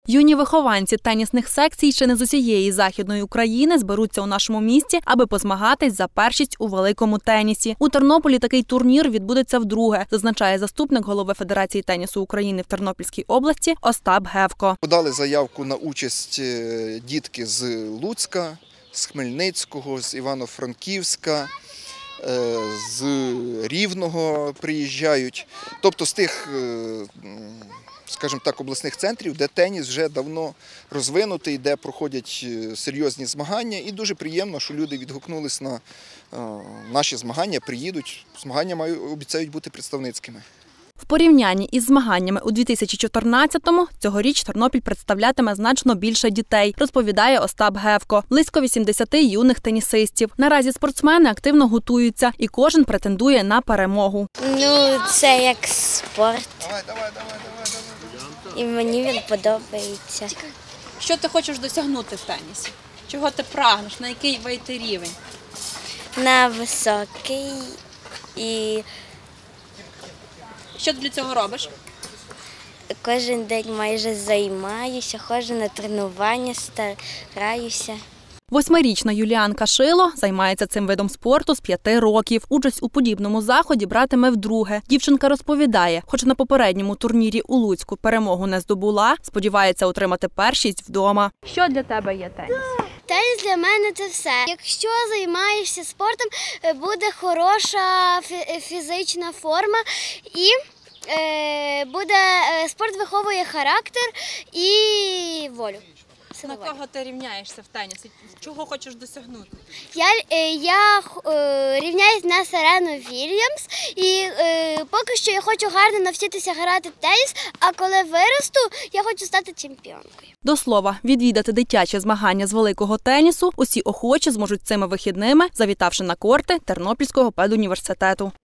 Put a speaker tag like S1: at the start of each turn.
S1: Юні вихованці тенісних секцій ще не з усієї Західної України зберуться у нашому місті, аби позмагатись за першість у великому тенісі. У Тернополі такий турнір відбудеться вдруге, зазначає заступник голови Федерації тенісу України в Тернопільській області Остап Гевко.
S2: Подали заявку на участь дітки з Луцька, з Хмельницького, з Івано-Франківська, з Рівного приїжджають. Тобто з тих, скажімо так, обласних центрів, де теніс вже давно розвинутий, де проходять серйозні змагання. І дуже приємно, що люди відгукнулись на наші змагання, приїдуть. Змагання обіцяють бути представницькими.
S1: В порівнянні із змаганнями у 2014-му цьогоріч Тернопіль представлятиме значно більше дітей, розповідає Остап Гевко. Близько 80 юних тенісистів. Наразі спортсмени активно готуються і кожен претендує на перемогу.
S3: Це як спорт. І мені він подобається.
S4: Що ти хочеш досягнути в тенісі? Чого ти прагнеш? На який вийти рівень?
S3: На високий і
S4: Що ти для цього робиш?
S3: кожен день майже займаюся, ходжу на тренування, стараюся.
S1: 8-річна Юліанка Шило займається цим видом спорту з 5 років. Участь у подібному заході братиме вдруге. Дівчинка розповідає, хоч на попередньому турнірі у Луцьку перемогу не здобула, сподівається отримати першість вдома. Що для тебе є теніс?
S5: Теніс для мене – це все. Якщо займаєшся спортом, буде хороша фізична форма і спорт виховує характер і волю.
S4: На кого ти рівняєшся в тенісі? Чого хочеш досягнути?
S5: Я рівняюсь на Серену Вільямс і поки що я хочу гарно навчитися грати в теніс, а коли виросту, я хочу стати чемпіонкою.
S1: До слова, відвідати дитячі змагання з великого тенісу усі охочі зможуть цими вихідними, завітавши на корти Тернопільського педуніверситету.